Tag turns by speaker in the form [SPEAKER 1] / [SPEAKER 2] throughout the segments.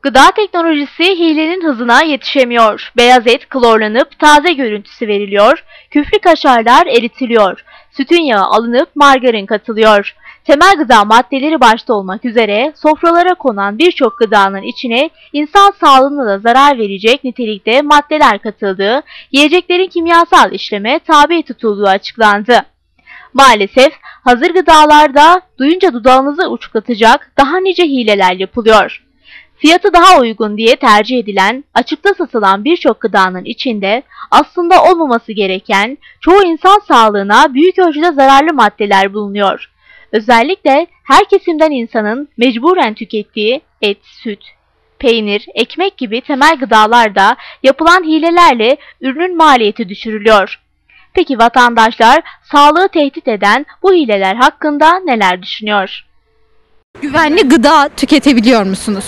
[SPEAKER 1] Gıda teknolojisi hilenin hızına yetişemiyor. Beyaz et klorlanıp taze görüntüsü veriliyor. Küflü kaşarlar eritiliyor. Sütün yağı alınıp margarin katılıyor. Temel gıda maddeleri başta olmak üzere sofralara konan birçok gıdanın içine insan sağlığına da zarar verecek nitelikte maddeler katıldığı, yiyeceklerin kimyasal işleme tabi tutulduğu açıklandı. Maalesef hazır gıdalarda duyunca dudağınızı uçuklatacak daha nice hileler yapılıyor. Fiyatı daha uygun diye tercih edilen, açıkta satılan birçok gıdanın içinde aslında olmaması gereken, çoğu insan sağlığına büyük ölçüde zararlı maddeler bulunuyor. Özellikle her kesimden insanın mecburen tükettiği et, süt, peynir, ekmek gibi temel gıdalarda yapılan hilelerle ürünün maliyeti düşürülüyor. Peki vatandaşlar sağlığı tehdit eden bu hileler hakkında neler düşünüyor?
[SPEAKER 2] Güvenli gıda tüketebiliyor musunuz?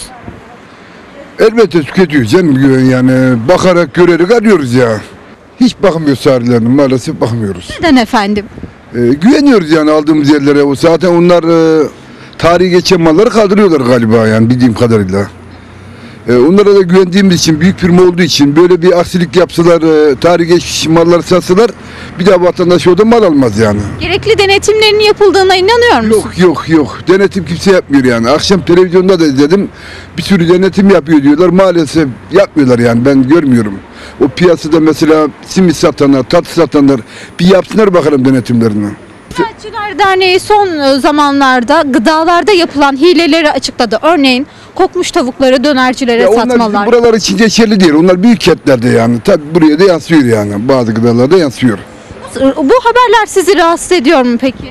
[SPEAKER 3] Elbette tüketiyoruz canım, yani bakarak görerek arıyoruz ya. Hiç bakmıyoruz tarihlerine, maalesef bakmıyoruz.
[SPEAKER 2] Neden efendim?
[SPEAKER 3] Güveniyoruz yani aldığımız yerlere. O zaten onlar tarihi geçen malları kaldırıyorlar galiba yani bildiğim kadarıyla. Onlara da güvendiğimiz için, büyük firma olduğu için böyle bir aksilik yapsalar, tarihi geçmiş malları satsalar bir daha vatandaş orada mal almaz yani.
[SPEAKER 2] Gerekli denetimlerin yapıldığına inanıyor musunuz?
[SPEAKER 3] Yok. Denetim kimse yapmıyor yani. Akşam televizyonda da izledim. Bir sürü denetim yapıyor diyorlar. Maalesef yapmıyorlar yani, ben görmüyorum. O piyasada mesela simit satanlar, tatlı satanlar bir yapsınlar bakalım denetimlerini.
[SPEAKER 2] Ziraatçılar Derneği son zamanlarda gıdalarda yapılan hileleri açıkladı. Örneğin kokmuş tavukları dönercilere satmalar.
[SPEAKER 3] Onlar buralar için geçerli değil. Onlar büyük kentlerde yani. Tabi buraya da yansıyor yani. Bazı gıdalarda yansıyor.
[SPEAKER 2] Bu haberler sizi rahatsız ediyor mu peki?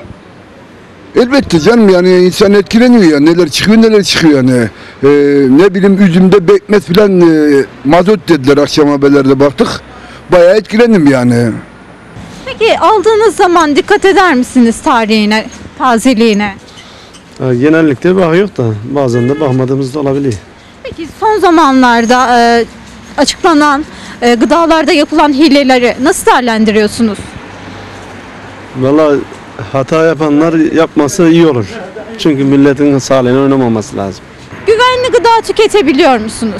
[SPEAKER 3] Elbette canım, yani insan etkileniyor ya. Neler çıkıyor yani. Ne bileyim, üzümde bekmez filan mazot dediler, akşam haberlerde baktık. Bayağı etkilendim yani.
[SPEAKER 2] Peki aldığınız zaman dikkat eder misiniz tarihine, tazeliğine?
[SPEAKER 4] Genellikle bakıyor da bazen de bakmadığımız da olabiliyor.
[SPEAKER 2] Peki son zamanlarda açıklanan gıdalarda yapılan hileleri nasıl değerlendiriyorsunuz?
[SPEAKER 4] Vallahi hata yapanlar yapması iyi olur. Çünkü milletin sağlığına oynamaması lazım.
[SPEAKER 2] Güvenli gıda tüketebiliyor musunuz?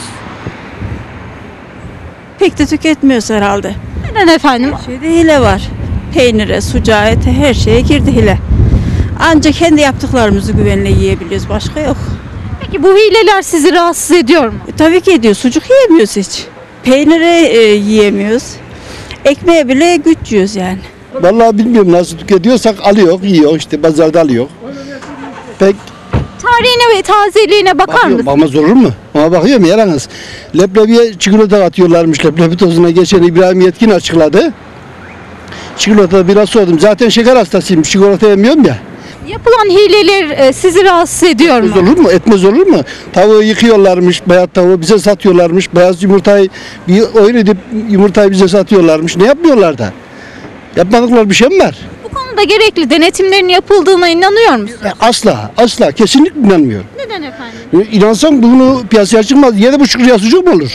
[SPEAKER 5] Pek de tüketmiyoruz herhalde.
[SPEAKER 2] Neden efendim?
[SPEAKER 5] Şeyde hile var. Peynire, sucuğa, ete, her şeye girdi hile. Ancak kendi yaptıklarımızı güvenle yiyebiliyoruz. Başka yok.
[SPEAKER 2] Peki bu hileler sizi rahatsız ediyor mu?
[SPEAKER 5] Tabii ki ediyor. Sucuk yiyemiyoruz hiç. Peyniri yiyemiyoruz. Ekmeğe bile güç yiyoruz yani.
[SPEAKER 6] Vallahi bilmiyorum, nasıl tüketiyorsak alıyor, yiyor, işte pazarda alıyor. Pek
[SPEAKER 2] Tarihine ve tazeliğine bakar mısınız?
[SPEAKER 6] bakmaz olur mu? Ama bakıyorum yalnız. Leblebiye çikolata atıyorlarmış, leblebi tozuna geçen İbrahim Yetkin açıkladı. Çikolata biraz sordum. Zaten şeker hastasıyım, çikolata yemiyorum ya.
[SPEAKER 2] Yapılan hileler sizi rahatsız ediyor mu?
[SPEAKER 6] Etmez olur mu? Etmez olur mu? Tavuğu yıkıyorlarmış, beyaz tavuğu bize satıyorlarmış. Beyaz yumurtayı bir oyun edip yumurtayı bize satıyorlarmış. Ne yapmıyorlar da? Yapmadıkları bir şey mi var?
[SPEAKER 2] Bu konuda gerekli denetimlerin yapıldığına inanıyor musunuz?
[SPEAKER 6] Asla, kesinlikle inanmıyorum.
[SPEAKER 2] Neden efendim?
[SPEAKER 6] İnansam bunu piyasaya çıkmaz. 7,5 liraya sucuk mu olur?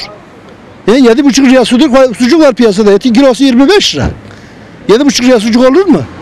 [SPEAKER 6] 7,5 liraya sucuk var piyasada. Etin kilosu 25 lira. 7,5 liraya sucuk olur mu?